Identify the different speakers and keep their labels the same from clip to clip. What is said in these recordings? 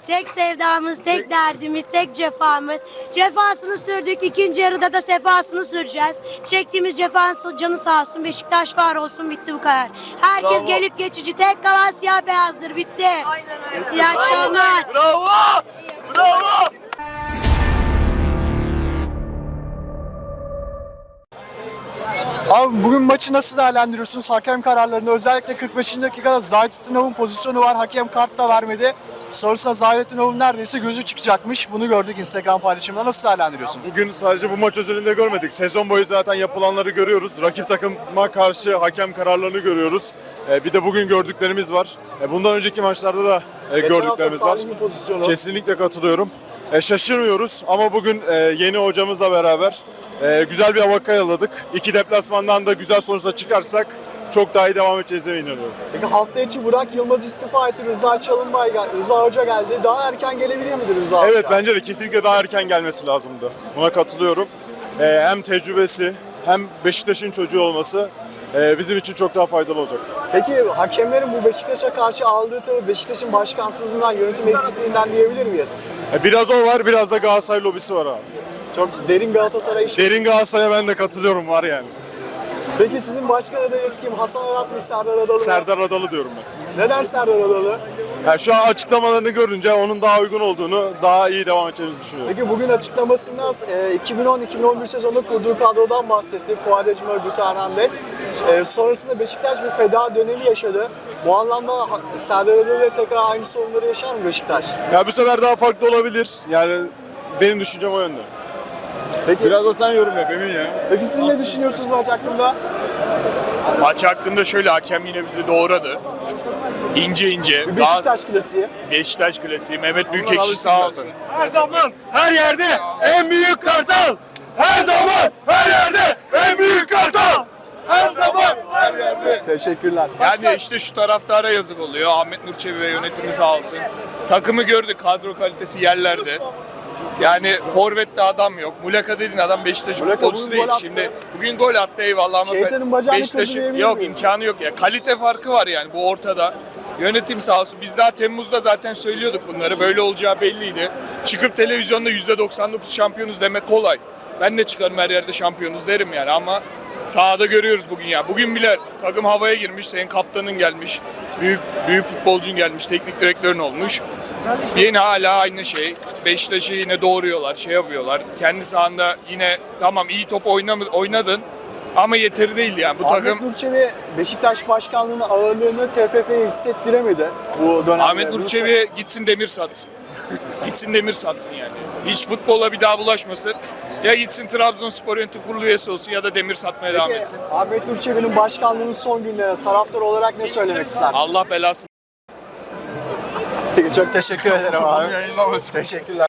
Speaker 1: tek sevdamız, tek derdimiz, tek cefamız. Cefasını sürdük, ikinci yarıda da sefasını süreceğiz. Çektiğimiz cefa canı sağ olsun, Beşiktaş var olsun, bitti bu kadar. Herkes gelip geçici, tek kalan siyah beyazdır, bitti. İyi akşamlar.
Speaker 2: Bravo! Bravo!
Speaker 3: Abi bugün maçı nasıl değerlendiriyorsunuz? Hakem kararlarını özellikle 45. dakikada Zaytutunov'un pozisyonu var. Hakem kart da vermedi. Sonrasında Zaytutunov'un neredeyse gözü çıkacakmış. Bunu gördük Instagram paylaşımında. Nasıl değerlendiriyorsun?
Speaker 2: Bugün sadece bu maç özelinde görmedik. Sezon boyu zaten yapılanları görüyoruz. Rakip takıma karşı hakem kararlarını görüyoruz. Bir de bugün gördüklerimiz var. Bundan önceki maçlarda da gördüklerimiz var. Kesinlikle katılıyorum. Şaşırmıyoruz ama bugün yeni hocamızla beraber güzel bir hava yaladık. İki deplasmandan da güzel sonuçla çıkarsak çok daha iyi devam edeceğize inanıyorum.
Speaker 3: Peki hafta içi Burak Yılmaz istifa etti. Rıza Çalınbay geldi. Rıza Hoca geldi. Daha erken gelebilir miydi Rıza Hoca?
Speaker 2: Evet, bence de kesinlikle daha erken gelmesi lazımdı. Buna katılıyorum. Hem tecrübesi hem Beşiktaş'ın çocuğu olması bizim için çok daha faydalı olacak.
Speaker 3: Peki hakemlerin bu Beşiktaş'a karşı aldığı tavır Beşiktaş'ın başkansızlığından, yönetim eksikliğinden diyebilir miyiz?
Speaker 2: Biraz o var, biraz da Galatasaray lobisi var abi.
Speaker 3: Çok derin Galatasaray işi.
Speaker 2: Derin Galatasaray'a ben de katılıyorum, var yani.
Speaker 3: Peki sizin başkan adayınız kim? Hasan Arat mı, Serdar Adalı mı?
Speaker 2: Serdar Adalı diyorum ben.
Speaker 3: Neden Serdar Adalı?
Speaker 2: Yani şu an açıklamalarını görünce onun daha uygun olduğunu, daha iyi devam edeceğimizi düşünüyorum.
Speaker 3: Peki bugün açıklamasında 2010-2011 sezonunda kurduğu kadrodan bahsetti. Quaresma, Guti Hernandez. Sonrasında Beşiktaş bir feda dönemi yaşadı. Bu anlamda Serdar Adalı'yla tekrar aynı sorunları yaşar mı Beşiktaş?
Speaker 2: Ya bu sefer daha farklı olabilir. Yani benim düşüncem o yönde.
Speaker 3: Peki,
Speaker 2: Biraz da sen yorum yap Emin ya.
Speaker 3: peki siz ne düşünüyorsunuz maç hakkında?
Speaker 4: Maç hakkında şöyle, hakem yine bizi doğradı. İnce ince.
Speaker 3: Bir Beşiktaş klasiği.
Speaker 4: Beşiktaş klasiği. Mehmet Büyükekşi sağ olsun.
Speaker 2: Her zaman, her yerde en büyük kartal. Her zaman, her yerde en büyük kartal. Her zaman, her yerde.
Speaker 3: Teşekkürler.
Speaker 4: Yani işte şu taraftara yazık oluyor. Ahmet Nur Çebi ve yönetimi sağ olsun. Takımı gördük, kadro kalitesi yerlerde. Yani forvette adam yok. Muleka dediğin adam Beşiktaş'ın
Speaker 3: Muleka
Speaker 4: futbolcusu
Speaker 3: bugün
Speaker 4: değil.
Speaker 3: gol attı.
Speaker 4: Şimdi bugün gol attı eyvallah ama
Speaker 3: Şeytanın bacağını
Speaker 4: Beşiktaş'ın
Speaker 3: kırdırabilir
Speaker 4: yok,
Speaker 3: miyiz?
Speaker 4: imkanı yok ya. Kalite farkı var yani, bu ortada. Yönetim sağ olsun. Biz daha Temmuz'da zaten söylüyorduk bunları. Böyle olacağı belliydi. Çıkıp televizyonda %99 şampiyonuz demek kolay. Ben de çıkarım her yerde şampiyonuz derim yani, ama sahada görüyoruz bugün ya. Bugün bile takım havaya girmiş. Senin kaptanın gelmiş. Büyük futbolcun gelmiş. Teknik direktörün olmuş. Yine hala aynı şey. Beşiktaş'ı yine doğruyorlar, şey yapıyorlar. Kendi sahanda yine tamam iyi top oynadın ama yeteri değil yani. Bu
Speaker 3: Ahmet
Speaker 4: takım
Speaker 3: Nur Çebi Beşiktaş başkanlığının ağırlığını TFF'ye hissettiremedi bu dönemde.
Speaker 4: Ahmet Nur Çebi gitsin demir satsın. Gitsin demir satsın yani. Hiç futbola bir daha bulaşmasın. Ya gitsin Trabzonspor Yönetim Kurulu üyesi olsun ya da demir satmaya devam etsin.
Speaker 3: Ahmet Nur Çebi'nin başkanlığının son günlerinde taraftar olarak ne söylemek istersin?
Speaker 4: Allah belasını.
Speaker 3: Peki, çok teşekkür ederim abi. Teşekkürler.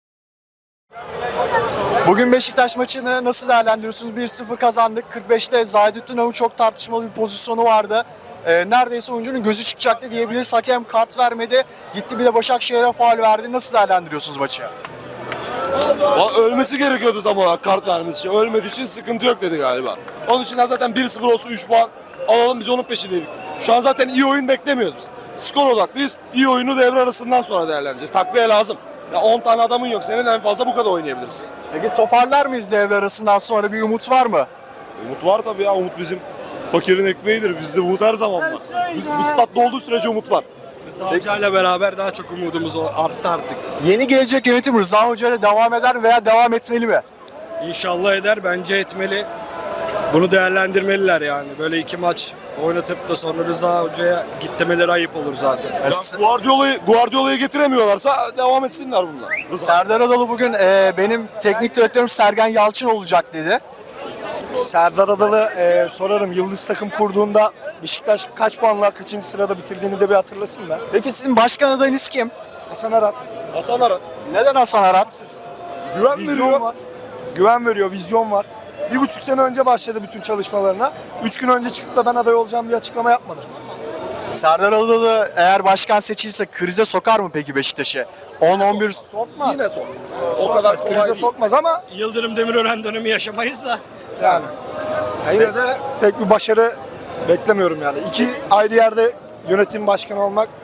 Speaker 3: Bugün Beşiktaş maçını nasıl değerlendiriyorsunuz? 1-0 kazandık. 45'te Zaytutunov'un çok tartışmalı bir pozisyonu vardı. Neredeyse oyuncunun gözü çıkacaktı diyebiliriz. Hakem kart vermedi. Gitti bir de Başakşehir'e faul verdi. Nasıl değerlendiriyorsunuz maçı?
Speaker 5: Ölmesi gerekiyordu tam olarak kart vermesi için. Ölmediği için sıkıntı yok dedi galiba. Onun için zaten 1-0 olsun 3 puan alalım, biz onun peşindeydik. Şu an zaten iyi oyun beklemiyoruz biz. Skor odaklıyız. İyi oyunu devre arasından sonra değerlendireceğiz. Takviye lazım. Ya 10 tane adamın yok. Senin en fazla bu kadar oynayabilirsin.
Speaker 3: Peki toparlar mıyız devre arasından sonra? Bir umut var mı?
Speaker 5: Umut var tabii ya. Umut bizim fakirin ekmeğidir. Bizde umut her zaman var. Bu statta olduğu sürece umut var.
Speaker 6: Hoca ile beraber daha çok umudumuz arttı artık.
Speaker 3: Yeni gelecek yönetim Rıza Hoca ile devam eder veya devam etmeli mi?
Speaker 6: İnşallah eder, bence etmeli. Bunu değerlendirmeliler yani. Böyle 2 maç oynatıp da sonra Rıza Hoca'ya git demeleri ayıp olur zaten.
Speaker 5: Ya Guardiola'yı getiremiyorlarsa devam etsinler bunlar.
Speaker 3: Serdar Adalı bugün benim teknik direktörüm Sergen Yalçın olacak dedi.
Speaker 6: Serdar Adalı sorarım, Yıldız takım kurduğunda Beşiktaş kaç puanla kaçıncı sırada bitirdiğini de bir hatırlasın be.
Speaker 3: Peki sizin başkan adayınız kim?
Speaker 6: Hasan Arat.
Speaker 5: Hasan Arat.
Speaker 3: Neden Hasan Arat?
Speaker 5: Güven
Speaker 6: Vizyon
Speaker 5: veriyor.
Speaker 6: var. Güven veriyor, vizyon var. 1,5 sene önce başladı bütün çalışmalarına. 3 gün önce çıkıp da ben aday olacağım diye açıklama yapmadı.
Speaker 3: Serdar Adalı eğer başkan seçilirse krize sokar mı peki Beşiktaş'ı? 10-11
Speaker 6: Sokmaz.
Speaker 5: Yine sokmaz. O kadar kolay
Speaker 6: krize
Speaker 5: değil.
Speaker 6: sokmaz ama Yıldırım Demirören dönemi yaşamayız da yani. Yine de pek bir başarı beklemiyorum yani. 2 ayrı yerde yönetim başkanı olmak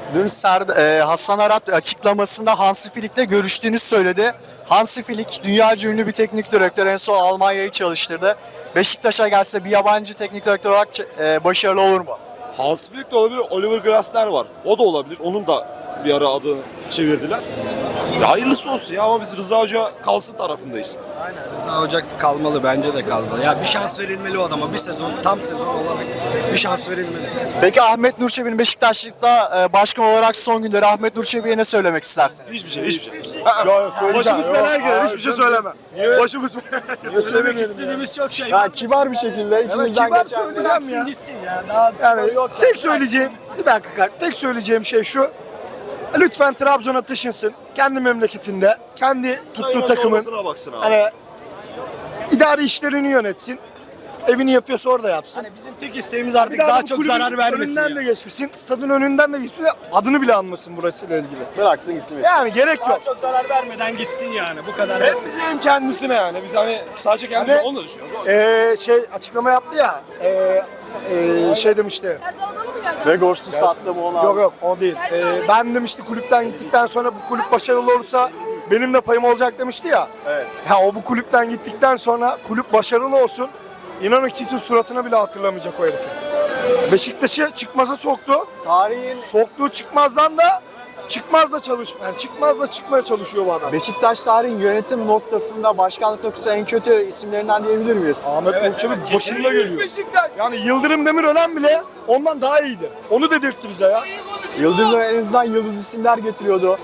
Speaker 3: Dün Hasan Arat açıklamasında Hansi Flick'le görüştüğünü söyledi. Hansi Flick dünyaca ünlü bir teknik direktör, en son Almanya'yı çalıştırdı. Beşiktaş'a gelse bir yabancı teknik direktör olarak başarılı olur mu?
Speaker 5: Hans Flick de olabilir, Oliver Glasner var. O da olabilir. Onun da bir ara adını çevirdiler. Ya hayırlısı olsun ya, ama biz Rıza Hoca kalsın tarafındayız.
Speaker 6: Rıza Hoca kalmalı, bence de kalmalı. Ya bir şans verilmeli o adama. Bir sezon, tam sezon olarak bir şans verilmeli.
Speaker 3: Peki Ahmet Nur Çebi'nin Beşiktaşlıkta başkan olarak son günleri, Ahmet Nur Çebi'ye ne söylemek istersin?
Speaker 5: Hiçbir şey. Başımız belaya girer, hiçbir şey söyleme. Başımız
Speaker 6: Söylemek istediğimiz çok şey
Speaker 3: Ya
Speaker 6: var.
Speaker 3: kibar bir şekilde içinizden
Speaker 6: Kibar
Speaker 3: geçen.
Speaker 6: söyleyeceğim ya. Gitsin ya. Daha
Speaker 7: Yani tek söyleyeceğim, bir dakika, tek söyleyeceğim şey şu. Lütfen Trabzon'a taşınsın. Kendi memleketinde, kendi tuttuğu takımın
Speaker 5: baksın abi.
Speaker 7: hani idari işlerini yönetsin. Evini yapıyorsa orada yapsın.
Speaker 6: Hani bizim tek isteğimiz artık
Speaker 7: Bir daha
Speaker 6: daha
Speaker 7: bu
Speaker 6: çok
Speaker 7: kulübün
Speaker 6: zarar vermesin.
Speaker 7: önünden
Speaker 6: ya.
Speaker 7: de geçmesin. Stadın önünden de geçmesin. Adını bile anmasın burasıyla ilgili.
Speaker 3: Bıraksın gitsin.
Speaker 7: Yani gerek
Speaker 6: Daha
Speaker 7: yok.
Speaker 6: çok zarar vermeden gitsin yani. Bu kadar
Speaker 5: Hem
Speaker 6: basit.
Speaker 5: bize hem kendisine yani. Biz hani sadece kendimize
Speaker 7: Hani,
Speaker 5: onu da düşünüyoruz.
Speaker 7: Şey açıklama yaptı ya. Şey demişti.
Speaker 3: Ve Gors'u sattı mı onu?
Speaker 7: Yok o değil. Ben demişti kulüpten gittikten sonra bu kulüp başarılı olursa benim de payım olacak demişti ya.
Speaker 3: Evet.
Speaker 7: Ya o bu kulüpten gittikten sonra kulüp başarılı olsun. İnanın kimse suratına bile hatırlamayacak o herifi. Beşiktaş'ı çıkmaza soktu.
Speaker 3: Tarihin
Speaker 7: Soktuğu çıkmazdan da çıkmazla çıkmazla çıkmaya çalışıyor bu adam.
Speaker 3: Beşiktaş tarihin yönetim noktasında, başkanlık noktasında en kötü isimlerinden diyebilir miyiz?
Speaker 7: Ahmet Nurçebi başında geliyor. Yani Yıldırım Demirören bile ondan daha iyiydi. Onu dedirtti bize ya.
Speaker 3: Yıldırım en azından yıldız isimler getiriyordu.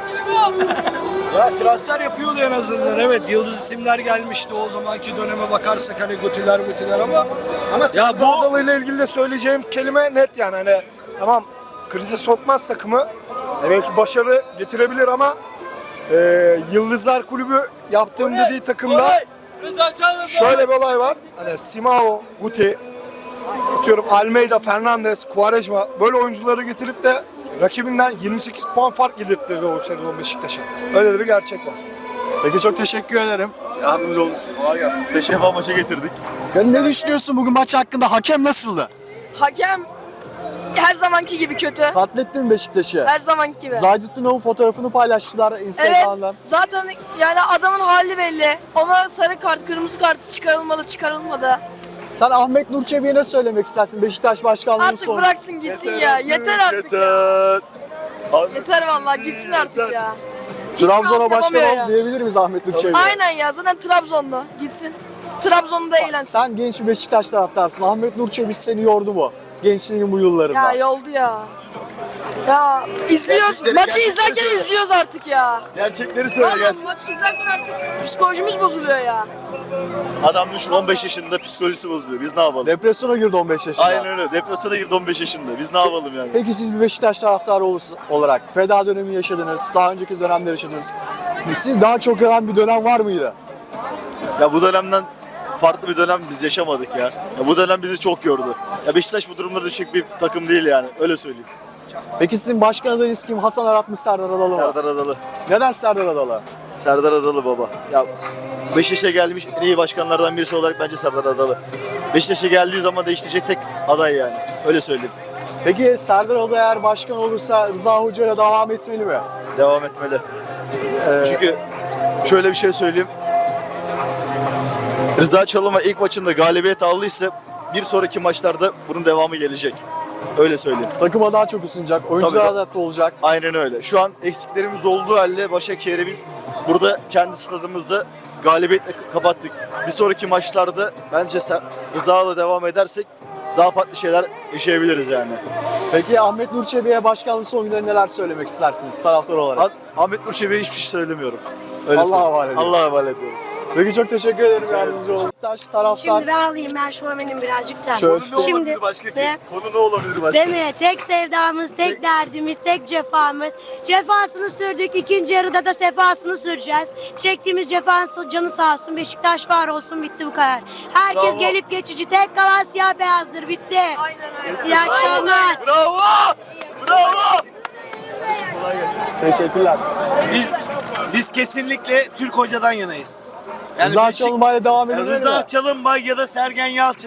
Speaker 6: Ya transfer yapıyordu en azından. Evet, yıldız isimler gelmişti o zamanki döneme bakarsak, hani götüler ama
Speaker 7: Ya bu Adalı ile ilgili de söyleyeceğim kelime net yani hani tamam krize sokmaz takımı. Belki başarı getirebilir ama Yıldızlar Kulübü yaptığım dediği takımda şöyle bir olay var. Hani Simao, Guti, atıyorum Almeida, Fernandes, Quaresma böyle oyuncuları getirip de rakibinden 28 puan fark yedirtti o sezon Beşiktaş'a. Öyle de bir gerçek var.
Speaker 3: Peki çok teşekkür ederim.
Speaker 2: Yardımcı olun. Kolay gelsin. Teşekkür maça getirdik.
Speaker 3: Ne düşünüyorsun bugün maç hakkında? Hakem nasıldı?
Speaker 8: Hakem her zamanki gibi kötü.
Speaker 3: Katlettin mi Beşiktaş'ı?
Speaker 8: Her zamanki gibi.
Speaker 3: Zahidettin Nov'un fotoğrafını paylaştılar
Speaker 8: Evet.
Speaker 3: Instagram'dan.
Speaker 8: Zaten yani adamın hali belli. Ona sarı kart, kırmızı kart çıkarılmadı.
Speaker 3: Sen Ahmet Nur Çebi'ye ne söylemek istersin Beşiktaş başkanlığının
Speaker 8: Artık
Speaker 3: sonu?
Speaker 8: bıraksın gitsin ya. Yeter artık ya. Yeter vallahi gitsin artık ya. Hiçbir
Speaker 3: Trabzon'a
Speaker 8: alt
Speaker 3: başkan
Speaker 8: yapamıyor
Speaker 3: ol
Speaker 8: ya.
Speaker 3: diyebilir miyiz Ahmet Nur Çebi'ye?
Speaker 8: Aynen ya, zaten Trabzonlu. Gitsin. Trabzon'da eğlensin.
Speaker 3: Sen genç bir Beşiktaş taraftarsın. Ahmet Nur Çebi seni yordu mu? Gençliğinin bu yıllarında.
Speaker 8: Ya yoldu ya. Ya izliyoruz. Maçı izlerken izliyoruz artık ya.
Speaker 2: Gerçekleri söyle
Speaker 8: Vallahi maçı izlerken artık psikolojimiz bozuluyor ya.
Speaker 9: Adam düşün 15 yaşında psikolojisi bozuluyor. Biz ne yapalım?
Speaker 3: Depresyona girdi 15 yaşında.
Speaker 9: Aynen öyle. Depresyona girdi 15 yaşında. Biz ne yapalım yani?
Speaker 3: Peki siz bir Beşiktaş taraftarı olarak feda dönemi yaşadınız, daha önceki dönemler yaşadınız. Siz daha çok yalan bir dönem var mıydı?
Speaker 9: Ya bu dönemden farklı bir dönem biz yaşamadık ya. Ya bu dönem bizi çok yordu. Ya Beşiktaş bu durumda düşük bir takım değil yani. Öyle söyleyeyim.
Speaker 3: Peki sizin başkan adayınız kim? Hasan Arat mı, Serdar Adalı mı?
Speaker 9: Serdar Adalı.
Speaker 3: Neden Serdar Adalı?
Speaker 9: Serdar Adalı baba. Ya Beşiktaş'a gelmiş en iyi başkanlardan birisi olarak bence Serdar Adalı. Beşiktaş'a geldiği zaman değiştirecek tek aday yani. Öyle söyleyeyim.
Speaker 3: Peki Serdar Adalı eğer başkan olursa Rıza Hoca ile devam etmeli mi?
Speaker 9: Devam etmeli. Çünkü şöyle bir şey söyleyeyim. Rıza Çalınbay ilk maçında galibiyet aldıysa bir sonraki maçlarda bunun devamı gelecek. Öyle söyleyeyim.
Speaker 3: Takıma daha çok ısınacak, oyuncular
Speaker 9: Tabii.
Speaker 3: adapte olacak.
Speaker 9: Aynen öyle. Şu an eksiklerimiz olduğu halde Başakşehir'i biz burada kendi stadımızda galibiyetle kapattık. Bir sonraki maçlarda bence Rıza'la devam edersek daha farklı şeyler yaşayabiliriz yani.
Speaker 3: Peki Ahmet Nur Çebi'ye başkanlık son günlerinde neler söylemek istersiniz taraftar olarak?
Speaker 9: Ahmet Nur Çebi'ye hiçbir şey söylemiyorum. Öyle
Speaker 3: Allah'a
Speaker 9: söyleyeyim.
Speaker 3: havale ediyorum.
Speaker 9: Allah'a havale ediyorum.
Speaker 3: Peki çok teşekkür ederim yardımcı olun. Beşiktaş taraftar.
Speaker 1: Şimdi ben alayım, ben şovmenim birazcık da.
Speaker 3: Şöyle
Speaker 1: Şimdi ne?
Speaker 9: Konu ne olabilir başka?
Speaker 1: Değil mi? Tek sevdamız, tek derdimiz, tek cefamız. Cefasını sürdük, ikinci yarıda da sefasını süreceğiz. Çektiğimiz cefa canı sağ olsun, Beşiktaş var olsun, bitti bu kadar. Herkes
Speaker 9: Bravo.
Speaker 1: gelip geçici, tek kalan siyah beyazdır, bitti. İyi akşamlar.
Speaker 9: Bravo! Bravo!
Speaker 3: Teşekkürler.
Speaker 10: Biz kesinlikle Türk hocadan yanayız.
Speaker 3: Rıza Çalınbay'la devam edelim mi?
Speaker 10: Rıza Çalınbay ya da Sergen Yalçın.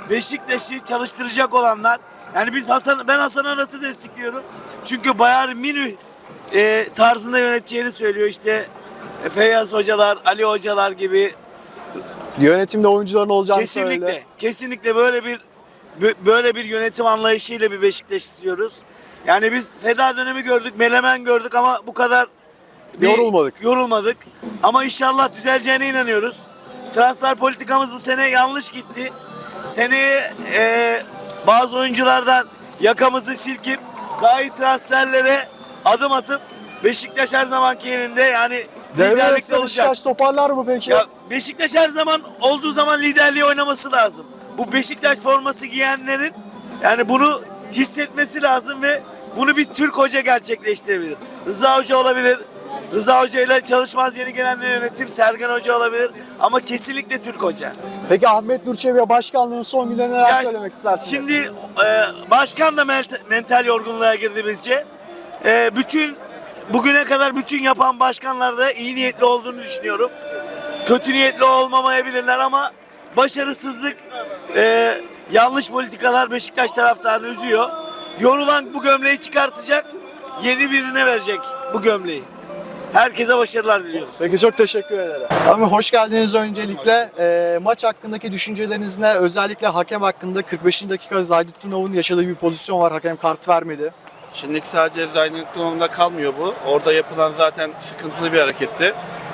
Speaker 10: Beşiktaş'ı çalıştıracak olanlar. Yani ben Hasan Arat'ı destekliyorum. Çünkü Bayern Münih tarzında yöneteceğini söylüyor. İşte Feyyaz hocalar, Ali hocalar gibi.
Speaker 3: Yönetimde oyuncuların olacağını söyledi.
Speaker 10: Kesinlikle böyle bir yönetim anlayışıyla bir Beşiktaş istiyoruz. Yani biz feda dönemi gördük, Menemen gördük ama bu kadar yorulmadık. Ama inşallah düzeleceğine inanıyoruz. Transfer politikamız bu sene yanlış gitti. Seneye bazı oyunculardan yakamızı silkip daha iyi transferlere adım atıp Beşiktaş her zamanki yerinde, yani
Speaker 3: Devre
Speaker 10: liderlikte
Speaker 3: arası
Speaker 10: olacak.
Speaker 3: Beşiktaş toparlar mı peki?
Speaker 10: Ya Beşiktaş her zaman olduğu zaman liderliği oynaması lazım. Bu Beşiktaş forması giyenlerin yani bunu hissetmesi lazım ve bunu bir Türk hoca gerçekleştirebilir. Rıza Hoca olabilir. Rıza Hoca ile çalışmaz yeni gelen yönetim Sergen Hoca olabilir. Ama kesinlikle Türk hoca.
Speaker 3: Peki Ahmet Nur Çebi başkanlığın son günlerine neler söylemek istersiniz?
Speaker 10: Şimdi başkan da mental yorgunluğa girdi bizce. Bugüne kadar bütün yapan başkanlar da iyi niyetli olduğunu düşünüyorum. Kötü niyetli olmamayabilirler ama başarısızlık, yanlış politikalar Beşiktaş taraftarını üzüyor. Yorulan bu gömleği çıkartacak, yeni birine verecek bu gömleği. Herkese başarılar diliyorum.
Speaker 3: Peki çok teşekkür ederim. Abi hoş geldiniz öncelikle. Maç hakkındaki düşünceleriniz ne? Özellikle hakem hakkında 45. dakika Zaydutdinov'un yaşadığı bir pozisyon var. Hakem kart vermedi.
Speaker 11: Şimdi sadece Zaydutdinov'da kalmıyor bu. Orada yapılan zaten sıkıntılı bir hareketti.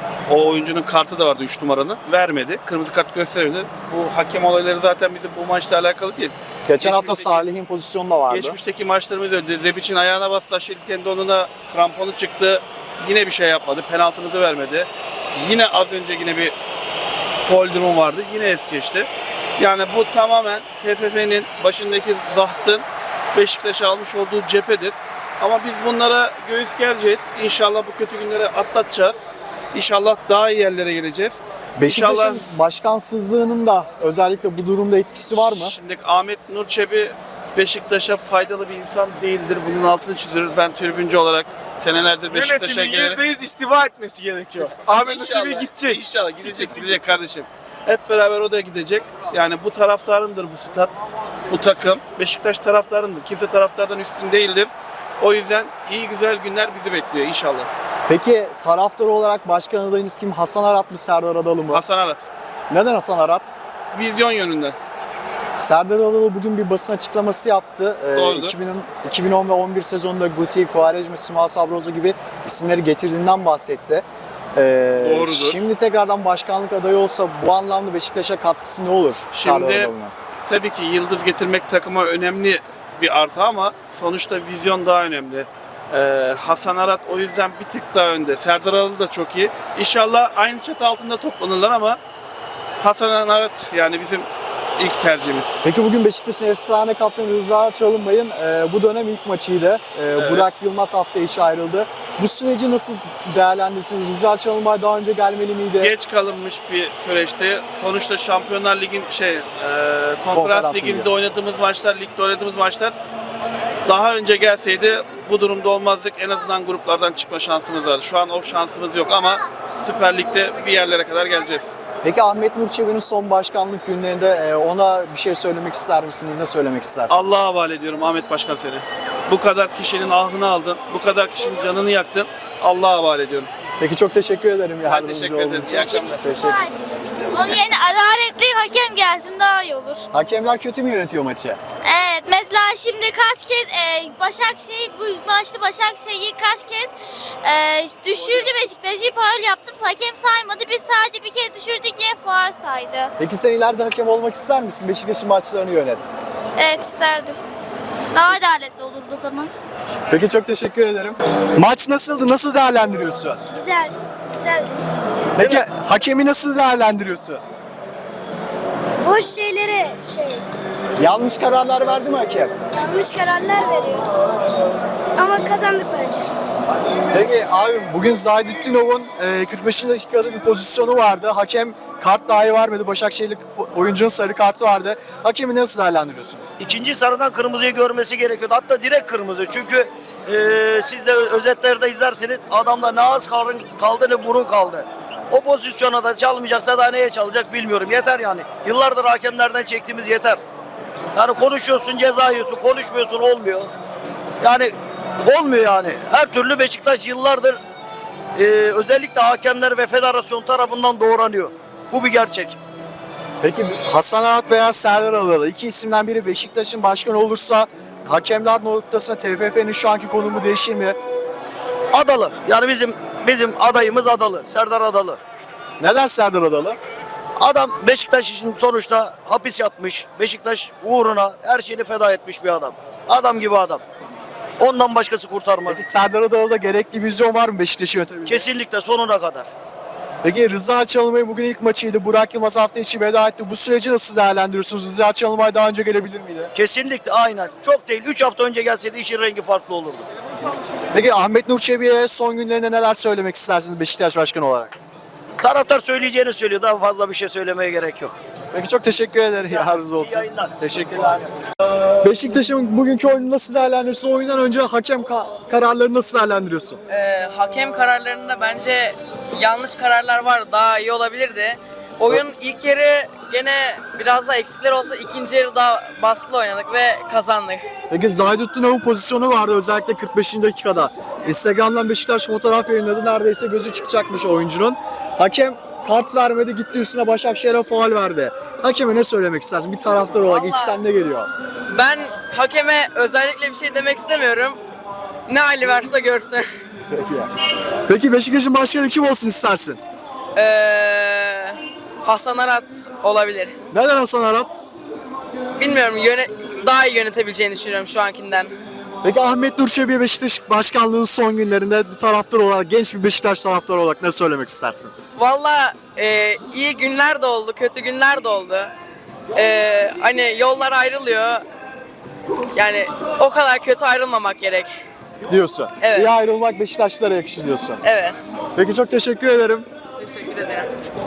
Speaker 11: O oyuncunun kartı da vardı 3 numaranın. Vermedi. Kırmızı kart göstermedi. Bu hakem olayları zaten bizim bu maçla alakalı değil.
Speaker 3: Geçen hafta Salih'in pozisyonu da vardı.
Speaker 11: Geçmişteki maçlarımız öyle. Rebic'in ayağına bastı. Aşırı donuna kramponu çıktı. Yine bir şey yapmadı. Penaltımızı vermedi. Yine az önce yine bir faul durum vardı. Yine es geçti. Yani bu tamamen TFF'nin başındaki zahtın Beşiktaş'a almış olduğu cephedir. Ama biz bunlara göğüs gereceğiz. İnşallah bu kötü günleri atlatacağız. İnşallah daha iyi yerlere geleceğiz.
Speaker 3: Beşiktaş'ın başkansızlığının da özellikle bu durumda etkisi var mı?
Speaker 11: Şimdi Ahmet Nur Çebi Beşiktaş'a faydalı bir insan değildir. Bunun altını çiziyoruz. Ben tribüncü olarak senelerdir Beşiktaş'a
Speaker 4: Yönetimin
Speaker 11: gelerek...
Speaker 4: %100 istifa etmesi gerekiyor. Ahmet Nurçebi gidecek.
Speaker 11: İnşallah gidecek kardeşim. Hep beraber o da gidecek. Yani bu taraftarındır bu stat, bu takım. Beşiktaş taraftarındır. Kimse taraftardan üstün değildir. O yüzden iyi güzel günler bizi bekliyor inşallah.
Speaker 3: Peki taraftar olarak başkan adayınız kim? Hasan Arat mı, Serdar Adalı mı?
Speaker 11: Hasan Arat.
Speaker 3: Neden Hasan Arat?
Speaker 11: Vizyon yönünden.
Speaker 3: Serdar Adalı bugün bir basın açıklaması yaptı.
Speaker 11: Doğrudur.
Speaker 3: 2010 ve 11 sezonunda Guti, Quaresma, Simao Sabroza gibi isimleri getirdiğinden bahsetti.
Speaker 11: Doğrudur.
Speaker 3: Şimdi tekrardan başkanlık adayı olsa bu anlamda Beşiktaş'a katkısı ne olur? Serdar
Speaker 11: Şimdi
Speaker 3: Adalı'nın?
Speaker 11: tabii ki yıldız getirmek takıma önemli bir artı ama sonuçta vizyon daha önemli. Hasan Arat o yüzden bir tık daha önde. Serdar Adalı da çok iyi. İnşallah aynı çatı altında toplanırlar ama Hasan Arat yani bizim ilk tercihimiz.
Speaker 3: Peki bugün Beşiktaş'ın efsane kaptanı Rıza Çalınbay'ın bu dönem ilk maçıydı. Burak Yılmaz hafta içi ayrıldı. Bu süreci nasıl değerlendirirsiniz? Rıza Çalınbay daha önce gelmeli miydi?
Speaker 11: Geç kalınmış bir süreçti. Sonuçta Şampiyonlar Ligi'nin Konferans Ligi'nde oynadığımız maçlar, ligde oynadığımız maçlar daha önce gelseydi bu durumda olmazdık. En azından gruplardan çıkma şansımız vardı. Şu an o şansımız yok ama Süper Lig'de bir yerlere kadar geleceğiz.
Speaker 3: Peki Ahmet Nur Çebi'nin son başkanlık günlerinde ona bir şey söylemek ister misiniz? Ne söylemek istersiniz?
Speaker 11: Allah'a havale ediyorum Ahmet Başkan seni. Bu kadar kişinin ahını aldın, bu kadar kişinin canını yaktın. Allah'a havale ediyorum.
Speaker 3: Peki çok teşekkür ederim.
Speaker 11: Ben teşekkür ederim. İyi akşamlar.
Speaker 3: Teşekkür.
Speaker 8: Onun yerine adaletli hakem gelsin daha iyi olur.
Speaker 3: Hakemler kötü mü yönetiyor maçı?
Speaker 8: Evet, mesela şimdi kaç kez Başakşehir bu maçta Başakşehir'i kaç kez düşürdü Beşiktaş'ı, faul yaptı, hakem saymadı. Biz sadece bir kez düşürdük diye faul saydı.
Speaker 3: Peki sen ileride hakem olmak ister misin? Beşiktaş'ın maçlarını yönet.
Speaker 8: Evet, isterdim. Daha adaletli olurdu o zaman.
Speaker 3: Peki çok teşekkür ederim. Maç nasıldı? Nasıl değerlendiriyorsun?
Speaker 8: Güzel, güzeldi.
Speaker 3: Peki hakemi nasıl değerlendiriyorsun?
Speaker 8: Boş şeyleri
Speaker 3: Yanlış kararlar verdi mi hakem?
Speaker 8: yanlış kararlar veriyor. Ama kazandık bence.
Speaker 3: Peki abim bugün Zaydutdinov'un 45. dakikada bir pozisyonu vardı. Hakem kart dahi vermedi. Başakşehirli oyuncunun sarı kartı vardı. Hakemi nasıl değerlendiriyorsunuz?
Speaker 12: İkinci sarıdan kırmızıyı görmesi gerekiyordu. Hatta direkt kırmızı. Çünkü siz de özetlerde izlersiniz. Adamda ne ağız kaldı ne burun kaldı. O pozisyona da çalmayacaksa daha neye çalacak bilmiyorum. Yeter yani. Yıllardır hakemlerden çektiğimiz yeter. Yani konuşuyorsun ceza yiyorsun, konuşmuyorsun olmuyor. Yani olmuyor yani. Her türlü Beşiktaş yıllardır özellikle hakemler ve federasyon tarafından doğranıyor. Bu bir gerçek.
Speaker 3: Peki Hasan Arat veya Serdar Adalı iki isimden biri Beşiktaş'ın başkanı olursa hakemler noktasında TFF'nin şu anki konumu değişir mi?
Speaker 12: Adalı. Yani bizim adayımız Adalı. Serdar Adalı.
Speaker 3: Neden Serdar Adalı?
Speaker 12: Adam Beşiktaş için sonuçta hapis yatmış. Beşiktaş uğruna her şeyini feda etmiş bir adam. Adam gibi adam. Ondan başkası kurtarmaz.
Speaker 3: Peki Serdar Adalı'da gerekli vizyon var mı Beşiktaş'ı yönetebilecek?
Speaker 12: Kesinlikle sonuna kadar.
Speaker 3: Peki Rıza Çalınbay bugün ilk maçıydı. Burak Yılmaz hafta içi veda etti. Bu süreci nasıl değerlendiriyorsunuz? Rıza Çalınbay daha önce gelebilir miydi?
Speaker 12: Kesinlikle aynen. Çok değil. 3 hafta önce gelseydi işin rengi farklı olurdu.
Speaker 3: Peki Ahmet Nur Çebi'ye son günlerinde neler söylemek istersiniz Beşiktaş Başkanı olarak?
Speaker 12: Taraftar söyleyeceğini söylüyor. Daha fazla bir şey söylemeye gerek yok.
Speaker 3: Peki çok teşekkür ederim. Yardımcınız olsun.
Speaker 12: İyi yayınlar.
Speaker 3: Teşekkürler. Beşiktaş'ın bugünkü oyunu nasıl değerlendiriyorsun? Oyundan önce hakem kararlarını nasıl değerlendiriyorsun?
Speaker 13: Hakem kararlarında bence yanlış kararlar var. Daha iyi olabilirdi. Oyun ilk yarı gene biraz daha eksikler olsa ikinci yarı daha baskılı oynadık ve kazandık.
Speaker 3: Peki Zaydutdinov'un pozisyonu vardı özellikle 45. dakikada. Instagram'dan Beşiktaş fotoğraf yayınladı. Neredeyse gözü çıkacakmış oyuncunun. Hakem kart vermedi, gitti üstüne Başakşehir'e faul verdi. Hakeme ne söylemek istersin? Bir taraftar olarak
Speaker 13: Vallahi-
Speaker 3: içten ne geliyor?
Speaker 13: Ben hakeme özellikle bir şey demek istemiyorum. Ne hali varsa görsün.
Speaker 3: Peki Beşiktaş'ın başkanı kim olsun istersin?
Speaker 13: Hasan Arat olabilir.
Speaker 3: Neden Hasan Arat?
Speaker 13: Bilmiyorum, daha iyi yönetebileceğini düşünüyorum şu ankinden.
Speaker 3: Peki Ahmet Nur Çebi Beşiktaş başkanlığının son günlerinde bir taraftar olarak, genç bir Beşiktaş taraftarı olarak ne söylemek istersin?
Speaker 13: Valla iyi günler de oldu, kötü günler de oldu. Hani yollar ayrılıyor. Yani o kadar kötü ayrılmamak gerek.
Speaker 3: Diyorsun.
Speaker 13: Evet.
Speaker 3: İyi ayrılmak Beşiktaşlara yakışır diyorsun.
Speaker 13: Evet.
Speaker 3: Peki çok teşekkür ederim.
Speaker 13: Teşekkür ederim.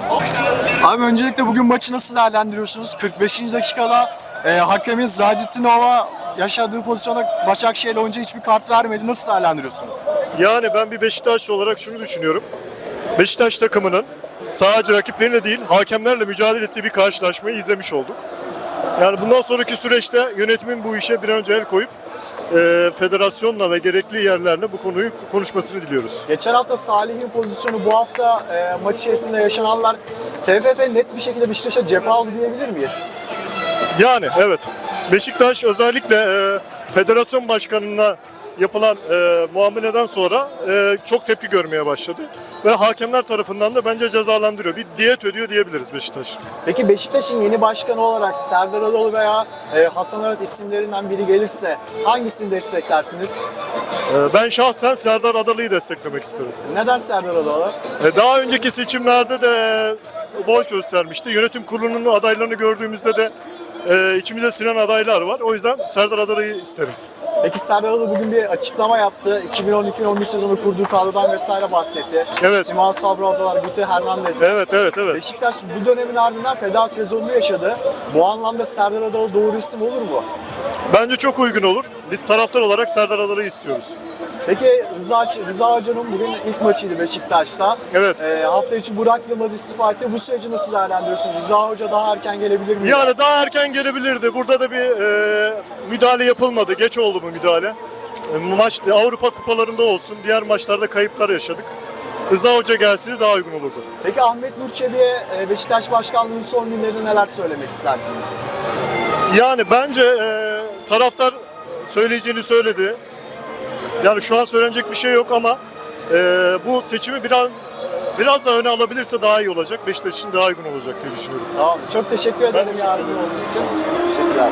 Speaker 3: Abi öncelikle bugün maçı nasıl değerlendiriyorsunuz? 45. dakikada hakemin Zaydutdinov'a yaşadığı pozisyona Başakşehir oyuncuya hiçbir kart vermedi. Nasıl değerlendiriyorsunuz?
Speaker 2: Yani ben bir Beşiktaşlı olarak şunu düşünüyorum. Beşiktaş takımının sadece rakiplerine değil hakemlerle mücadele ettiği bir karşılaşmayı izlemiş olduk. Yani bundan sonraki süreçte yönetimin bu işe bir an önce el koyup federasyonla ve gerekli yerlerle bu konuyu konuşmasını diliyoruz.
Speaker 3: Geçen hafta Salih'in pozisyonu, bu hafta maç içerisinde yaşananlar TFF net bir şekilde Beşiktaş'a cephe aldı diyebilir miyiz?
Speaker 2: Yani evet. Beşiktaş özellikle federasyon başkanına yapılan muameleden sonra çok tepki görmeye başladı. Ve hakemler tarafından da bence cezalandırıyor. Bir diyet ödüyor diyebiliriz Beşiktaş.
Speaker 3: Peki Beşiktaş'ın yeni başkanı olarak Serdar Adalı veya Hasan Arat isimlerinden biri gelirse hangisini desteklersiniz?
Speaker 2: Ben şahsen Serdar Adalı'yı desteklemek isterim.
Speaker 3: Neden Serdar Adalı?
Speaker 2: Daha önceki seçimlerde de boy göstermişti. Yönetim kurulunun adaylarını gördüğümüzde de içimize sinen adaylar var. O yüzden Serdar Adalı'yı isterim.
Speaker 3: Peki Serdar Adalı bugün bir açıklama yaptı. 2010-2011 sezonu kurduğu kadrodan vesaire bahsetti.
Speaker 2: Evet.
Speaker 3: Simon Sabrazolar, Guti Hernandez.
Speaker 2: Evet.
Speaker 3: Beşiktaş bu dönemin ardından feda sezonunu yaşadı. Bu anlamda Serdar Adalı doğru isim olur mu?
Speaker 2: Bence çok uygun olur. Biz taraftar olarak Serdar Adalı'yı istiyoruz.
Speaker 3: Peki Rıza Hoca'nın bugün ilk maçıydı Beşiktaş'ta.
Speaker 2: Evet.
Speaker 3: Hafta içi Burak Yılmaz istifa etti. Bu süreci nasıl değerlendiriyorsun? Rıza Hoca daha erken gelebilir mi?
Speaker 2: Yani daha erken gelebilirdi. Burada da bir müdahale yapılmadı. Geç oldu bu müdahale. Maç Avrupa kupalarında olsun. Diğer maçlarda kayıplar yaşadık. Rıza Hoca gelseydi daha uygun olurdu.
Speaker 3: Peki Ahmet Nur Çebi'ye Beşiktaş başkanlığının son günlerinde neler söylemek istersiniz?
Speaker 2: Yani bence taraftar söyleyeceğini söyledi. Yani şu an söylenecek bir şey yok ama bu seçimi biraz daha öne alabilirse daha iyi olacak. Beşiktaş için daha uygun olacak diye düşünüyorum.
Speaker 3: Tamam. Çok teşekkür ederim
Speaker 2: teşekkür
Speaker 3: yardımcı olduğunuz için. Teşekkürler.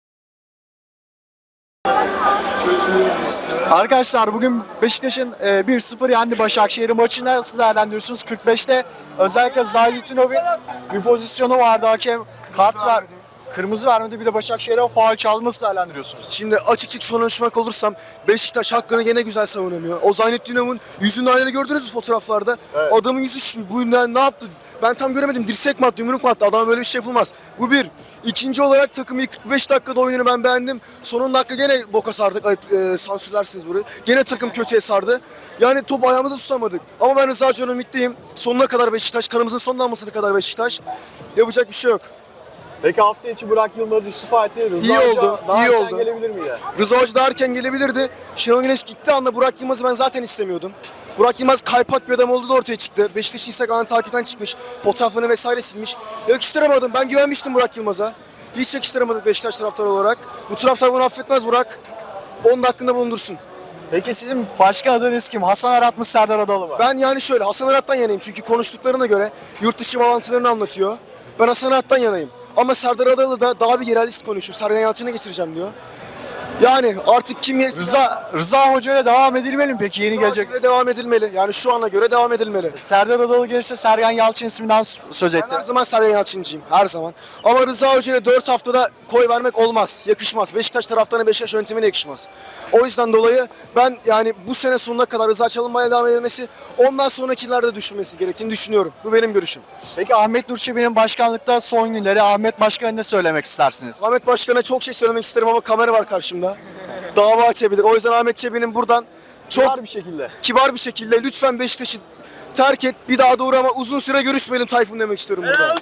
Speaker 3: Arkadaşlar bugün Beşiktaş'ın 1-0 yendi Başakşehir maçını nasıl değerlendiriyorsunuz? 45'te özellikle Zaydutdinov'un bir pozisyonu vardı, hakem kart ver. Kırmızı vermedi, bir de Başakşehir'e faul çaldı, nasıl değerlendiriyorsunuz?
Speaker 5: Şimdi açık konuşmak olursam Beşiktaş hakkını gene güzel savunamıyor. O Zaynetdinov'un yüzünün halini gördünüz mü fotoğraflarda? Evet. Adamın yüzü bu ne yaptı? Ben tam göremedim. Dirsek mi attı, yumruk mu attı? Adama böyle bir şey yapılmaz. Bu bir. İkinci olarak takımın ilk 45 dakikada oyununu ben beğendim. Son 10 dakika gene boka sardık. Sansürlersiniz burayı. Gene takım kötüye sardı. Yani topu ayağımıza tutamadık. Ama ben Rıza Hoca'nın ümitliyim. Sonuna kadar Beşiktaş. Kanımızın son damlasına kadar Beşiktaş. Yapacak bir şey yok.
Speaker 3: Peki hafta içi Burak Yılmaz istifa etti. Rıza
Speaker 7: İyi
Speaker 3: Hoca
Speaker 7: oldu,
Speaker 3: daha
Speaker 7: iyi
Speaker 3: erken
Speaker 7: oldu.
Speaker 3: gelebilir miydi?
Speaker 7: Rıza Hoca daha erken gelebilirdi. Şenol Güneş gitti anda Burak Yılmaz'ı ben zaten istemiyordum. Burak Yılmaz kaypak bir adam olduğu da ortaya çıktı. Beşiktaş Instagram'dan takipten çıkmış. Fotoğraflarını vesaire silmiş. Yakıştıramadım. Ben güvenmiştim Burak Yılmaz'a. Hiç yakıştıramadık Beşiktaş taraftarı olarak. Bu taraftar bunu affetmez Burak. Onun da hakkında bulundursun.
Speaker 3: Peki sizin başkan adınız kim? Hasan Arat mı, Serdar Adalı mı?
Speaker 7: Ben yani şöyle Hasan Arat'tan yanayım. Çünkü konuştuklarına göre yurt dışı bağlantılarını anlatıyor. Ben Hasan Arat'tan yanayım. Ama Serdar Adalı da daha bir yerelist konuşuyor. Sergen Yalçın'a geçireceğim diyor. Yani artık kim yerisi...
Speaker 3: Rıza Hoca ile devam edilmeli mi peki yeni gelecek?
Speaker 7: Gelecek. Devam edilmeli. Yani şu ana göre devam edilmeli.
Speaker 3: Serdar Adalı gelirse Sergen Yalçın isminden söz etti.
Speaker 7: Ben her zaman Sergen Yalçıncıyım. Her zaman. Ama Rıza Hoca'ya 4 haftada koy vermek olmaz. Yakışmaz. Beşiktaş taraftarına Beşiktaş yönetimine yakışmaz. O yüzden dolayı ben yani bu sene sonuna kadar Rıza Çalınbay'a devam edilmesi, ondan sonrakilerde düşünmesi gerektiğini düşünüyorum. Bu benim görüşüm.
Speaker 3: Peki Ahmet Nur Çebi'nin başkanlıkta son günleri Ahmet Başkan'a ne söylemek istersiniz?
Speaker 7: Ahmet Başkan'a çok şey söylemek isterim ama kamera var karşımda. Dava açabilir. O yüzden Ahmet Çebi'nin buradan çok kibar bir şekilde lütfen Beşiktaş'ı terk et. Bir daha doğru ama uzun süre görüşmeyelim Tayfun demek istiyorum burada.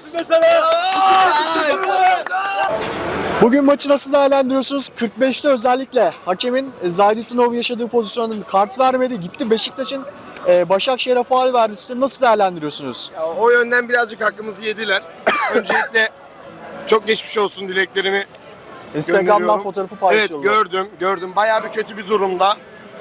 Speaker 3: Bugün maçı nasıl değerlendiriyorsunuz? 45'te özellikle hakemin Zahidettin yaşadığı pozisyonun kart vermedi. Gitti Beşiktaş'ın Başakşehir'e faul verdi. Üstüne nasıl değerlendiriyorsunuz?
Speaker 5: Ya, o yönden birazcık hakkımızı yediler. Öncelikle çok geçmiş olsun dileklerimi
Speaker 3: Instagram'dan
Speaker 5: gönderiyorum.
Speaker 3: fotoğrafı paylaşıyorlar.
Speaker 5: Evet gördüm. Bayağı bir kötü bir durumda.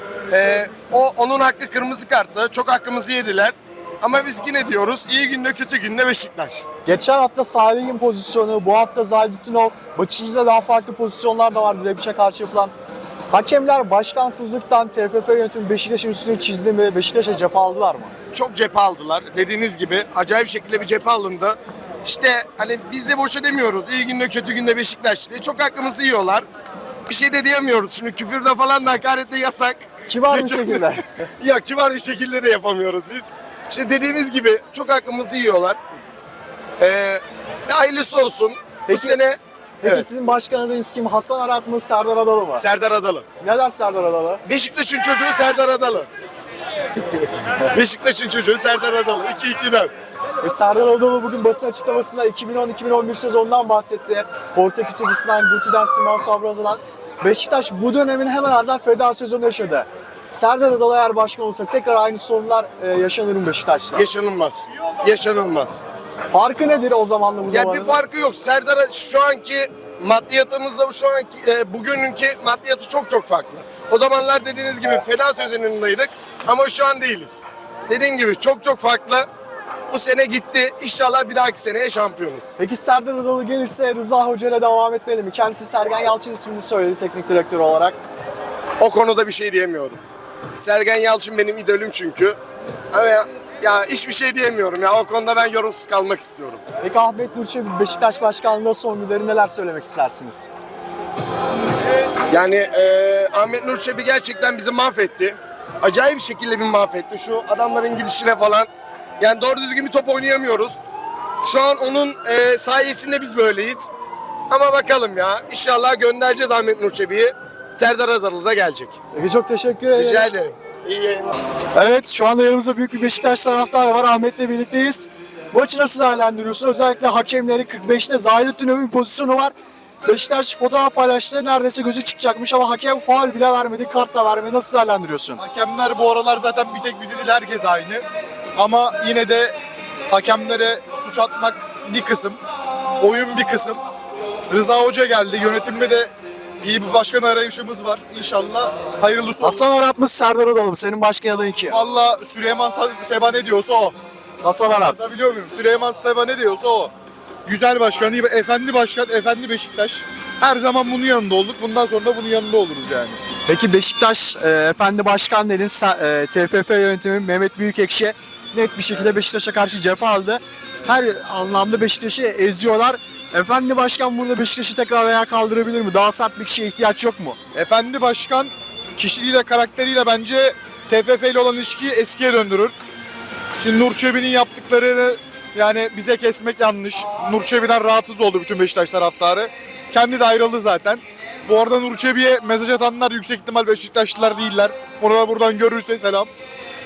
Speaker 5: Onun hakkı kırmızı karttı. Çok hakkımızı yediler. Ama biz yine diyoruz iyi günde kötü günde Beşiktaş.
Speaker 3: Geçen hafta Salih'in pozisyonu, bu hafta Zahidettin Baçıcı'da daha farklı pozisyonlar da vardı. Rebiş'e karşı yapılan. Hakemler başkansızlıktan TFF yönetimi Beşiktaş'ın üstünü çizdi mi? Beşiktaş'a cephe aldılar mı?
Speaker 5: Çok cephe aldılar. Dediğiniz gibi acayip şekilde bir cephe alındı. İşte hani biz de boşa demiyoruz. İyi günde kötü günde Beşiktaş diye. Çok hakkımızı yiyorlar. Bir şey de diyemiyoruz. Şimdi küfürde falan da hakaretle yasak.
Speaker 3: Kibar bir şekilde.
Speaker 5: Ya kibar bir şekilde de yapamıyoruz biz. İşte dediğimiz gibi çok hakkımızı yiyorlar. Hayırlısı olsun. Bu sene
Speaker 3: Peki sizin başkan adınız kim? Hasan Arat mı, Serdar Adalı mı?
Speaker 5: Serdar Adalı.
Speaker 3: Neden Serdar Adalı?
Speaker 5: Beşiktaş'ın çocuğu Serdar Adalı. Beşiktaş'ın çocuğu Serdar Adalı. 2-2'den.
Speaker 3: Serdar Adalı bugün basın açıklamasında 2010-2011 sezonundan bahsetti. Portekiz Sıcısından, Guti'den, Simon Sabraza'dan. Beşiktaş bu dönemin hemen ardından feda sezonu yaşadı. Serdar Adalı eğer başkan olsa tekrar aynı sorunlar yaşanır mı Beşiktaş'ta?
Speaker 5: Yaşanılmaz. Yaşanılmaz.
Speaker 3: Farkı nedir o zamanla bu
Speaker 5: Ya
Speaker 3: zamanın?
Speaker 5: bir farkı yok. Serdar'a şu anki maddiyatımızla şu anki bugününki maddiyatı çok farklı. O zamanlar dediğiniz gibi feda sezonundaydık ama şu an değiliz. Dediğim gibi çok farklı. Bu sene gitti. İnşallah bir dahaki seneye şampiyonuz.
Speaker 3: Peki Serdar Adalı gelirse Rıza Hoca ile devam etmeli mi? Kendisi Sergen Yalçın ismini söyledi teknik direktör olarak.
Speaker 5: O konuda bir şey diyemiyorum. Sergen Yalçın benim idolüm çünkü. Ama ya hiçbir şey diyemiyorum ya. O konuda ben yorumsuz kalmak istiyorum.
Speaker 3: Peki Ahmet Nur Çebi Beşiktaş başkanlığında son günleri neler söylemek istersiniz?
Speaker 5: Yani Ahmet Nur Çebi gerçekten bizi mahvetti. Acayip bir şekilde bir mahvetti. Şu adamların gidişine falan. Yani doğru düzgün bir top oynayamıyoruz. Şu an onun sayesinde biz böyleyiz. Ama bakalım ya. İnşallah göndereceğiz Ahmet Nur Çebi'yi. Serdar Adalı da gelecek.
Speaker 3: Peki çok teşekkür ederim.
Speaker 5: Rica ederim. İyi yayınlar.
Speaker 3: Evet şu anda yanımızda büyük bir Beşiktaş taraftarı var. Ahmet'le birlikteyiz. Maçı nasıl değerlendiriyorsun? Özellikle hakemleri 45'te Zahidettin bir pozisyonu var. Beşiktaş fotoğraf paylaştı. Neredeyse gözü çıkacakmış ama hakem faul bile vermedi, kart da vermedi. Nasıl değerlendiriyorsun?
Speaker 6: Hakemler bu aralar zaten bir tek bizi değil herkes aynı. Ama yine de hakemlere suç atmak bir kısım, oyun bir kısım. Rıza Hoca geldi. Yönetimde de iyi bir başkan arayışımız var. İnşallah hayırlısı olsun.
Speaker 3: Hasan Arat mı, Serdar Adalı mı? Senin başkan adayın kim?
Speaker 6: Valla Süleyman Seba ne diyorsa o.
Speaker 3: Hasan Arat.
Speaker 6: Biliyor muyum? Süleyman Seba ne diyorsa o. Güzel başkan, iyi, efendi başkan, efendi Beşiktaş. Her zaman bunun yanında olduk. Bundan sonra da bunun yanında oluruz yani.
Speaker 3: Peki Beşiktaş efendi başkan dedin. TFF yönetimi Mehmet Büyükekşi net bir şekilde Beşiktaş'a karşı cephe aldı. Her anlamda Beşiktaş'ı eziyorlar. Efendi başkan burada Beşiktaş'ı tekrar ayağa kaldırabilir mi? Daha sert bir kişiye ihtiyaç yok mu?
Speaker 6: Efendi başkan kişiliğiyle, karakteriyle bence TFF ile olan ilişkiyi eskiye döndürür. Şimdi Nur Çebi'nin yaptıklarını yani bize kesmek yanlış. Nur Çebi'den rahatsız oldu bütün Beşiktaş taraftarı. Kendi de ayrıldı zaten. Bu arada Nur Çebi'ye mesaj atanlar yüksek ihtimal Beşiktaşlılar değiller. Ona buradan görürse selam.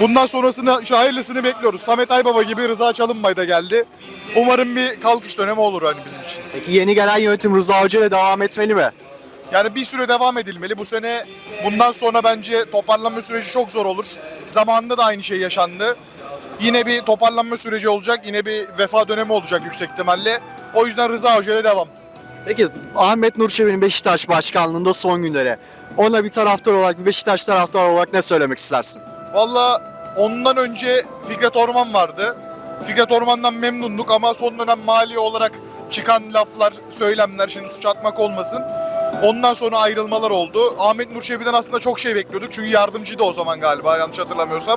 Speaker 6: Bundan sonrasını, işte hayırlısını bekliyoruz. Samet Aybaba gibi Rıza Çalınbay da geldi. Umarım bir kalkış dönemi olur hani bizim için.
Speaker 3: Peki yeni gelen yönetim Rıza Hoca ile devam etmeli mi?
Speaker 6: Yani bir süre devam edilmeli. Bu sene bundan sonra bence toparlanma süreci çok zor olur. Zamanında da aynı şey yaşandı. Yine bir toparlanma süreci olacak. Yine bir vefa dönemi olacak yüksek ihtimalle. O yüzden Rıza Hoca ile devam.
Speaker 3: Peki Ahmet Nur Çebi'nin Beşiktaş başkanlığında son günleri. Ona bir taraftar olarak, bir Beşiktaş taraftarı olarak ne söylemek istersin?
Speaker 6: Valla ondan önce Fikret Orman vardı. Fikret Orman'dan memnunduk ama son dönem mali olarak çıkan laflar, söylemler, şimdi suç atmak olmasın. Ondan sonra ayrılmalar oldu. Ahmet Nur Çebi'den aslında çok şey bekliyorduk. Çünkü yardımcıydı o zaman galiba, yanlış hatırlamıyorsam.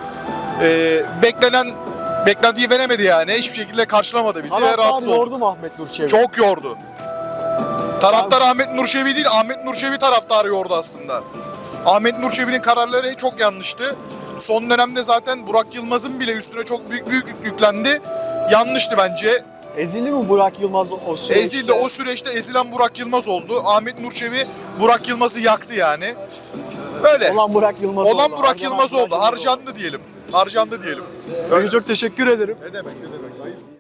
Speaker 6: Beklentiyi veremedi yani. Hiçbir şekilde karşılamadı bizi ve rahatsız olduk.
Speaker 3: yordu mu Ahmet Nur Çebi?
Speaker 6: Çok yordu. Taraftar Ahmet Nur Çebi değil, Ahmet Nur Çebi taraftarı yordu aslında. Ahmet Nur Çebi'nin kararları çok yanlıştı. Son dönemde zaten Burak Yılmaz'ın bile üstüne çok büyük yüklendi. Yanlıştı bence.
Speaker 3: Ezildi mi Burak Yılmaz o süreçte?
Speaker 6: Ezildi. O süreçte ezilen Burak Yılmaz oldu. Ahmet Nur Çebi Burak Yılmaz'ı yaktı yani. Böyle.
Speaker 3: Olan Burak Yılmaz oldu.
Speaker 6: Olan Burak
Speaker 3: Harcanan
Speaker 6: Yılmaz
Speaker 3: Burak
Speaker 6: oldu.
Speaker 3: Yılmaz
Speaker 6: Harcandı diyelim. Harcandı diyelim.
Speaker 3: Çok teşekkür ederim.
Speaker 6: Ne demek, ne demek.